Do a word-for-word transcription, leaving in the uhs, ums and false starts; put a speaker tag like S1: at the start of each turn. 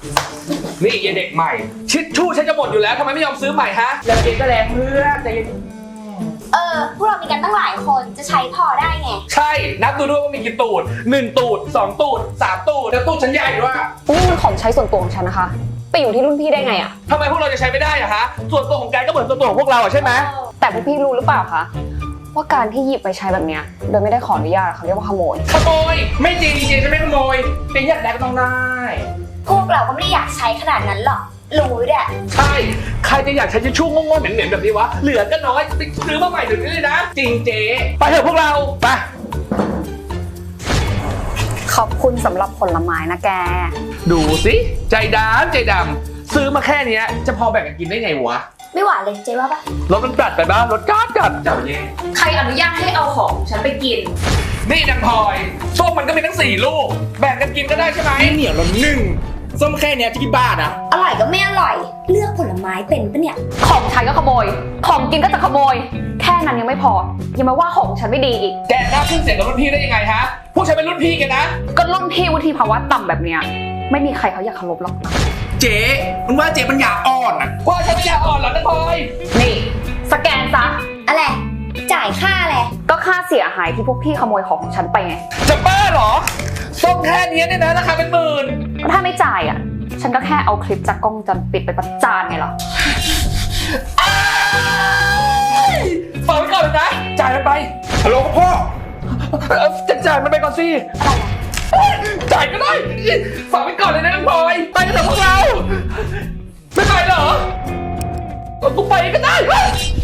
S1: นี่ยายเด็กใหม่ชิดชู่ฉันจะหมดอยู่แล้วทำไมไม่ยอมซื้อใหม่ฮะแล้วเองก็แรงเพื่อนใจเย็น
S2: เออพวกเรามีกันตั้งหลายคนจะใช้พอได้ไง
S1: ใช่นับดูด้วยว่ามีกี่ตูดหนึ่งตูดสองตูดสามตูดแล้วตูดฉันใหญ่ด้วย
S3: นี่มันของใช้ส่วนตัวของฉันนะคะไปอยู่ที่รุ่นพี่ได้ไงอะ
S1: ทำไมพวกเราจะใช้ไม่ได้อะฮะส่วนตัวของแกก็เหมือนส่วนตัวของพวกเราอะใช่ไหม
S3: แต่พวกพี่รู้หรือเปล่าคะว่าการที่หยิบไปใช้แบบเนี้ยโดยไม่ได้ขออนุญาตเขาเรียกว่าขโมย
S1: ขโมยไม่จริงจริงๆฉันไม่ขโมยเป็นอยากได้ก็ต้องได้
S2: พวกเราก็ไม่ได้อยากใช้ขนาดนั้นหรอกรู้แหละ
S1: ใช่ใครจะอยากใช้ทิชชู่โง่ๆเหม็นๆแบบนี้วะเหลือก็น้อยไปซื้อมาใหม่เดี๋ยวนี้เลยนะจริงเจ๊ไปเถอะพวกเราไป
S3: ขอบคุณสำหรับผลไม้นะแก
S1: ดูสิใจดำใจดำซื้อมาแค่เนี้ยจะพอแบ่งกันกินได้ไงวะ
S2: ไม่หวานเลยเจ๊ว่าปะ
S1: รถมันกัดไปบ้างรถกัดกัดจับเย่
S3: ใครอนุญาตให้เอาของฉันไปกิน
S1: นี่นางพลอยส้มมันก็มีทั้งสี่ลูกแบ่งกันกินก็ได้ใช่ไหมเหนียวละหนึ่งส้มแค่เนี้ยจะกี่บาทอะ
S2: อร่อยก็ไม่อร่อย เลือกผลไม้เป็นปะเนี่ย
S3: ของใช้ก็ขโมย ของกินก็จะขโมย แค่นั้นยังไม่พอ ยังมาว่าของฉันไม่ดีอีก
S1: แกกล้าขึ้นเสียงกับรุ่นพี่ได้ยังไงฮะพวกฉันเป็นรุ่นพี่แกนะ
S3: ก็รุ่นพี่วุฒิภาวะต่ำแบบเนี้ยไม่มีใครเขาอยากเคารพหรอก
S1: เจ๊มันว่าเจ๊ปัญญาอ่อนอะว่าฉันปัญญาอ่อนเหรอนางพลอย
S3: นี่สแกนซะ
S2: อะไรจ่ายค่าอะไร
S3: ก็ค่าเสียหายที่พวกพี่ขโมยของของฉันไปไง
S1: จะบ้าเหรอส้มแค่เนี้ยเนี่ยนะราคาเป็นหมื่น
S3: ก็ถ้าไม่จ่ายอ่ะ ฉันก็แค่เอาคลิปจากกล้องวงจรปิดไปประจานไงล่ะ
S1: ฝากไว้ก่อนเลยนะจ่ายมันไปฮัลโหลพ่อเอ่อจะจ่ายมันไปก่อนสิจ่ายก็ได้ฝากไว้ก่อนเลยนะนางพลอยไปกันเถอะพวกเราไม่ไปเหรอกูไปก็ได้